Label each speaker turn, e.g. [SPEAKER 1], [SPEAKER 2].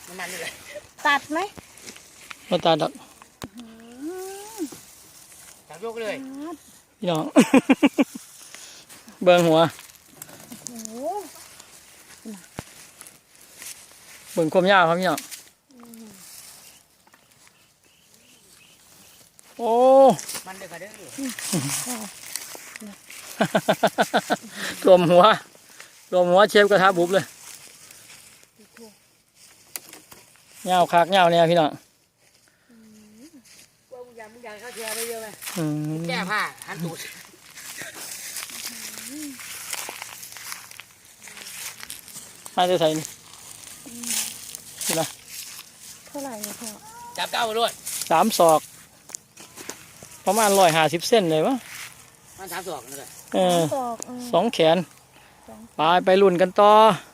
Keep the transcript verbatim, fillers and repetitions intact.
[SPEAKER 1] น้ำมันนี่เลย
[SPEAKER 2] ตัดไหม
[SPEAKER 3] มาตัดดอก
[SPEAKER 1] จับยกเลย
[SPEAKER 3] พี่น้อง เบิ่งหัว
[SPEAKER 2] โอ้โห
[SPEAKER 3] เบิ่งความยาวครับพี่น้องโอ้
[SPEAKER 1] มันเดือดเด้อ
[SPEAKER 3] รวมหัวรวมหัวเชฟกระทะบุบเลยยาวคักยาวเนี่ยพี่น้อง
[SPEAKER 1] ว่ามึงอยากมึงอยากเข้าเทียไปเยอะไหม
[SPEAKER 3] อืม
[SPEAKER 1] แก้ผ้าหันตูด
[SPEAKER 3] มาจะใส่นี่นี่นะ
[SPEAKER 2] เท่าไหร่เนี่ยพ่อ
[SPEAKER 1] จับเก้าไปด้วย
[SPEAKER 3] สามศอกประมาณร้อยห้าสิบเส้นเลยวะ
[SPEAKER 1] มันสามศอกนั่นแหละ
[SPEAKER 3] เออ
[SPEAKER 2] สองเออ
[SPEAKER 3] สองแขนไปไปรุ่นกันต่อ